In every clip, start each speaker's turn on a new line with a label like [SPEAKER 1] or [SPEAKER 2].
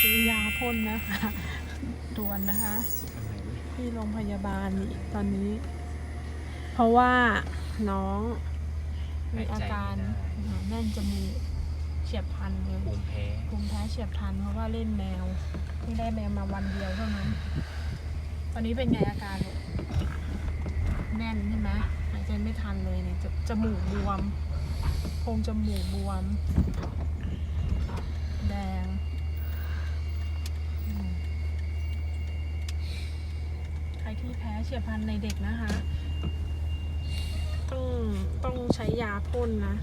[SPEAKER 1] ซื้อยาพ่นนะคะด่วนนะคะ ที่โรงพยาบาลนี่ตอนนี้ เพราะว่าน้องมีอาการแน่นจมูกเฉียบพลันเลยภูมิแพ้เฉียบพลันเพราะว่าเล่นแมวที่ได้แมวมาวันเดียวเท่านั้นตอนนี้เป็นไงอาการแน่นใช่ไหมหายใจไม่ทันเลยเนี่ยจมูกบวมโพรงจมูกบวมแดงใครที่แพ้เฉียบพลันในเด็กนะคะต้องใช้ยาพ่นนะ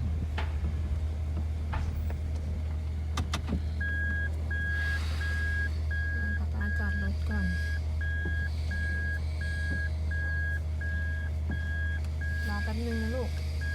[SPEAKER 1] ป๊าจอดรถก่อนรอแป๊บนึงนะลูก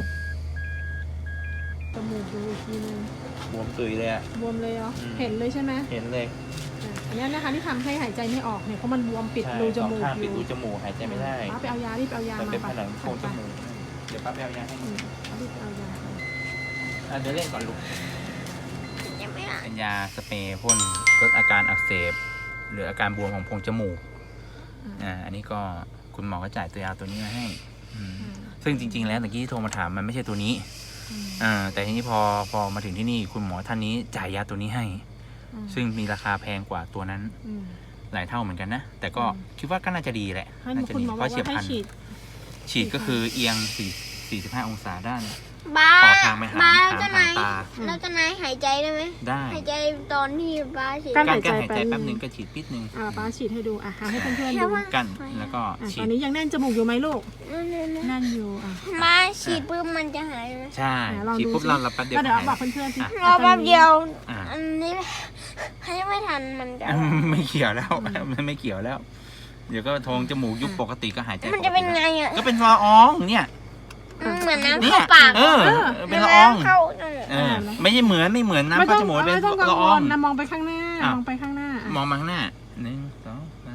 [SPEAKER 1] จมูกดูอีกทีนึง
[SPEAKER 2] บวมตุยเลยอะ
[SPEAKER 1] บวมเลยเหรอเห็นเลยใช่ไหม
[SPEAKER 2] เห็นเลย
[SPEAKER 1] อันนี้นะคะที่ทำให้หายใจไม่ออกเนี่ยเพราะมันบวมปิดรูจมูกอยู่
[SPEAKER 2] ปิดรูจมูกหายใจไม่ได้
[SPEAKER 1] ป้าไปเอายารีบเอายามา
[SPEAKER 2] เป็นผนังโพรงจมูกเดี๋ยวป้าไปเอายาให้
[SPEAKER 1] รีบเอายา
[SPEAKER 2] เดี๋ยวเล่นก่อนลูกเป็นยาสเปรย์พ่นลดอาการอักเสบหรืออาการบวมของโพรงจมูกอันนี้ก็คุณหมอก็จ่ายตัวยาตัวนี้มาให้ซึ่งจริงๆแล้วตะกี้ที่โทรมาถามมันไม่ใช่ตัวนี้แต่ทีนี้พอมาถึงที่นี่คุณหมอท่านนี้จ่ายยาตัวนี้ให้ซึ่งมีราคาแพงกว่าตัวนั้นหลายเท่าเหมือนกันนะแต่ก็คิดว่าก็น่าจะดีแหละน่าจะดีเพราะเฉียบพลันฉีดก็คือเอียง45 องศาด้านต่อทางไปหางตา
[SPEAKER 3] แล้วจะนายหายใจได้ไหม
[SPEAKER 2] ได้
[SPEAKER 3] หายใจตอนที่ป้าฉีด
[SPEAKER 2] กั้นหายใจแป๊บนึงก็ฉีดปิดนึง
[SPEAKER 1] ป้าฉีดให้ดูให้เพื่อนๆดู
[SPEAKER 2] กั้นแล้วก็
[SPEAKER 1] ตอนนี้ยังแน่นจมูกอยู่ไหมลูกแน่นอยู่
[SPEAKER 3] มาฉีดปุ๊บมันจะหายไหม
[SPEAKER 2] ใช่ฉีดปุ๊บเราแป๊บเดียว
[SPEAKER 1] เดี๋ยวบอกเพื่อนๆที่
[SPEAKER 3] รอแป๊บเดียวอันนี้ให้ไม่ทันมันจะ
[SPEAKER 2] ไม่เกี่ยวแล้วมันไม่เกี่ยวแล้วเดี๋ยวก็โพรงจมูกยุบปกติก็หายใจ
[SPEAKER 3] มันจะเป็นไงอ่ะ
[SPEAKER 2] ก็เป็นละอองเนี่ย
[SPEAKER 3] เหมือนน้ำเข้าปาก
[SPEAKER 2] เป็นละอองไม่ใช่ไม่เหมือนน้ำเข้าจมูกเป็นละออง
[SPEAKER 1] นะมองไปข้างหน้ามองไปข้างหน้าม
[SPEAKER 2] องมาข้างหน้า1 2 3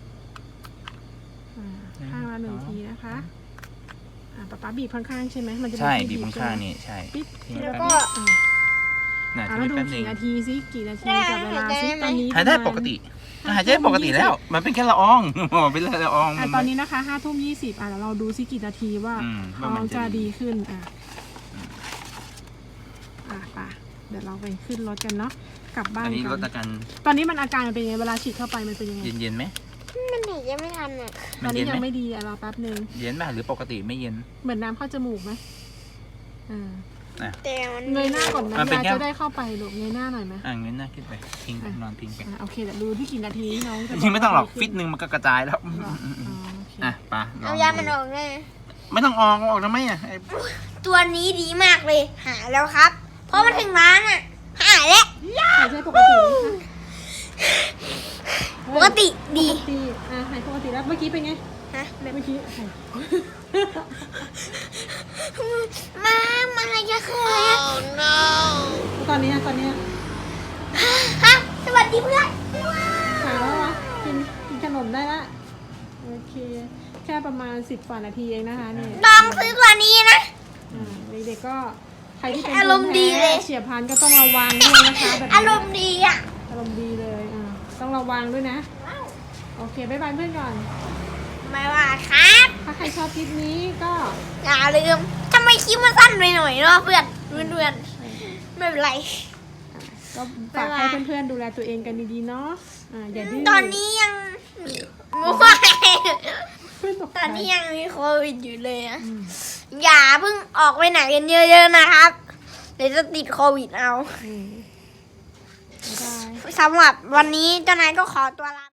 [SPEAKER 1] ข้างละ1 ทีนะคะป๊าบีบข้างๆใช่ไหมมันจะ
[SPEAKER 2] ใช่บีบข้างๆนี่ใช่
[SPEAKER 3] แล้วก็
[SPEAKER 1] แล้วดูกี่นาทีซิกี่นาทีกับเวลาซิตอนนี้
[SPEAKER 2] หายได้ปกติหายใจปกติแล้วมันเป็นแค่ละอองเป็นละออง
[SPEAKER 1] ตอนนี้นะคะ5:20แล้วเราดูซิกี่นาทีว่าเขาจะดีขึ้นป่ะเดี๋ยวเราไปขึ้นรถกันเนาะกลับบ้านกันตอนนี้มันอาการเป็นยังไงเวลาฉีดเข้าไปมันเป็นยังไง
[SPEAKER 2] เย็นไหม
[SPEAKER 3] มันหนียังไม่ทันอ่ะ
[SPEAKER 1] ตอนนี้ยังไม่ดีรอแป๊บนึง
[SPEAKER 2] เย็นไหมหรือปกติไม่เย็น
[SPEAKER 1] เหมือนน้ำเข้าจมูกไหม
[SPEAKER 3] แต่
[SPEAKER 1] เงยหน้าก่อนนะยาจะได้เข้าไปลูกเงยหน้าหน่อยไหม
[SPEAKER 2] เงยหน้าขึ้นไปพิงนอนพิงไป
[SPEAKER 1] โอเคเดี๋ยวดูที่กี่นาทีน้อง
[SPEAKER 2] จริงไม่ต้องหรอกฟิตนึงมันก็กระจายแล้วไป
[SPEAKER 3] เอายามันออกเลย
[SPEAKER 2] ไม่ต้องออกทำไม
[SPEAKER 3] ตัวนี้ดีมากเลยหายแล้วครับเพราะมันถึงร้านหายแล้ว
[SPEAKER 1] หายใจปกติ
[SPEAKER 3] ปกติดี
[SPEAKER 1] หายปกติแล้วเมื่อกี้เป็นไงเมื่อกี้
[SPEAKER 3] มันอะไรจะเคย
[SPEAKER 1] ตอนนี้
[SPEAKER 3] สวัสดีเพื่อน
[SPEAKER 1] หายแล้ววะกินขนมได้ละโอเคแค่ประมาณ10 กว่านาทีเองนะคะนี่
[SPEAKER 3] ลองซื้อกว่านี้นะ
[SPEAKER 1] เด็กๆก็ใครที่เป็นภูมิแพ้เฉียบพลันก็ต้องระวังด้วยนะคะแบบ
[SPEAKER 3] อารมณ์ดี
[SPEAKER 1] อารมณ์ดีเลยต้องระวังด้วยนะโอเคบ๊ายบายเพื่อนก่อน
[SPEAKER 3] บ๊ายบายครับ
[SPEAKER 1] ถ้าใครชอบคลิปนี้ก็
[SPEAKER 3] อย่าลืมทำไมคลิปมันสั้นไปหน่อยเนาะเพื่อนไม่เป็นไร
[SPEAKER 1] ก็ฝากให้เพื่อนๆดูแลตัวเองกันดีๆเนาะอย่าดื้อ
[SPEAKER 3] ตอนนี้ยังตอนนี้ยังมีโควิดอยู่เลยอย่าเพิ่งออกไปไหนกันเยอะๆนะครับเดี๋ยวจะติดโควิดเอาสำหรับวันนี้เจ้านายก็ขอตัวลา